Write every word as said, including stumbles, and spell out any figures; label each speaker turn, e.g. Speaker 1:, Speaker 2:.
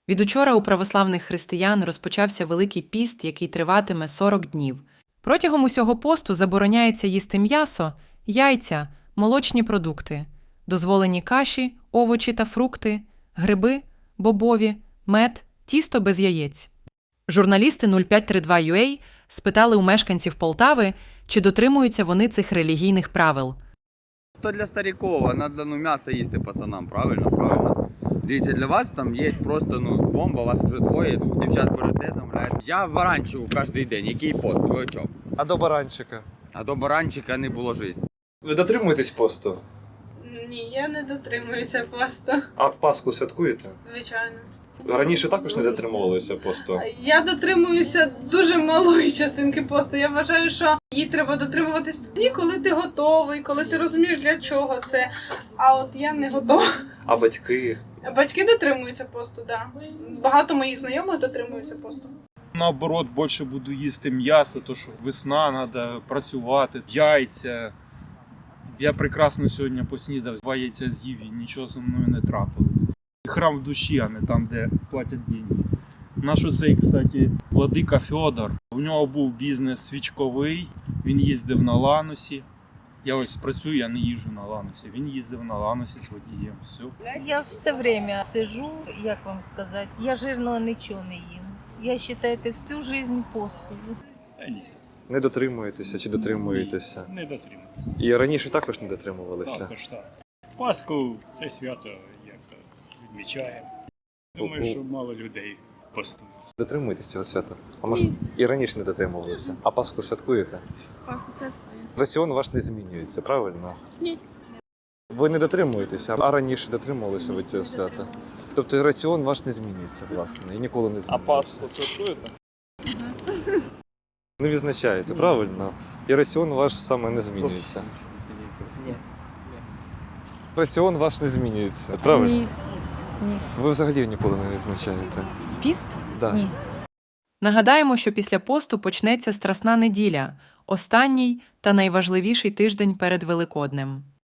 Speaker 1: Від учора у православних християн розпочався Великий піст, який триватиме сорок днів. Протягом усього посту забороняється їсти м'ясо, яйця, молочні продукти, дозволені каші, овочі та фрукти, гриби, бобові, мед, тісто без яєць. Журналісти нуль п'ять три два ю а спитали у мешканців Полтави, чи дотримуються вони цих релігійних правил.
Speaker 2: То для стариков, надо ну, м'ясо їсти пацанам, правильно? Правильно. Дивіться, для вас там є просто ну, бомба, вас вже двоє, двох дівчат берете, замовляєте. Я баранчику кожен день, який пост, ви о чому?
Speaker 3: А до баранчика?
Speaker 2: А до баранчика не було життя.
Speaker 3: Ви дотримуєтесь посту?
Speaker 4: Ні, я не дотримуюся посту,
Speaker 3: А Пасху святкуєте?
Speaker 4: звичайно.
Speaker 3: Раніше також не дотримувалися посту?
Speaker 4: Я дотримуюся дуже малої частинки посту. Я вважаю, що її треба дотримуватись тоді, коли ти готовий, коли ти розумієш, для чого це. А от я не готова.
Speaker 3: А батьки?
Speaker 4: Батьки дотримуються посту, так. Да. Багато моїх знайомих дотримуються посту.
Speaker 5: Наоборот, більше буду їсти м'ясо, то що весна, треба працювати, яйця. Я прекрасно сьогодні поснідав, два яйця з'їв і нічого зі мною не трапилось. Храм в душі, а не там, де платять деньги. Наш оцей, кстати, владика Федор, у нього був бізнес свічковий, він їздив на Ланосі. Я ось працюю, я не їжджу на Ланосі. Він їздив на Ланосі з водієм. Все.
Speaker 6: Я все время сижу, як вам сказати, я жирного нічого не їм. Я вважаю, це всю життя постою.
Speaker 5: Та ні,
Speaker 3: Не дотримуєтеся чи дотримуєтеся?
Speaker 5: не дотримую.
Speaker 3: І раніше також не дотримувалися?
Speaker 5: Також так. Пасху це свято як то відмічаємо. Думаю, що мало людей постують.
Speaker 3: Дотримуєтесь цього свята? А може і раніше не дотримувалися? А Пасху святкуєте?
Speaker 4: Пасху святкую.
Speaker 3: Раціон ваш не змінюється, правильно?
Speaker 4: Ні.
Speaker 3: Ви не дотримуєтеся, а раніше дотримувалися ви цього свята? Тобто раціон ваш не змінюється, власне, і ніколи не змінюється?
Speaker 5: святкуєте?
Speaker 3: Не відзначаєте, правильно? І раціон ваш саме не змінюється.
Speaker 7: Ні.
Speaker 3: Раціон ваш не змінюється, правильно?
Speaker 7: Ні. Ні.
Speaker 3: Ви взагалі ніколи не відзначаєте?
Speaker 7: Піст?
Speaker 3: Да.
Speaker 7: Ні.
Speaker 1: Нагадаємо, що після посту почнеться Страсна неділя – останній та найважливіший тиждень перед Великоднем.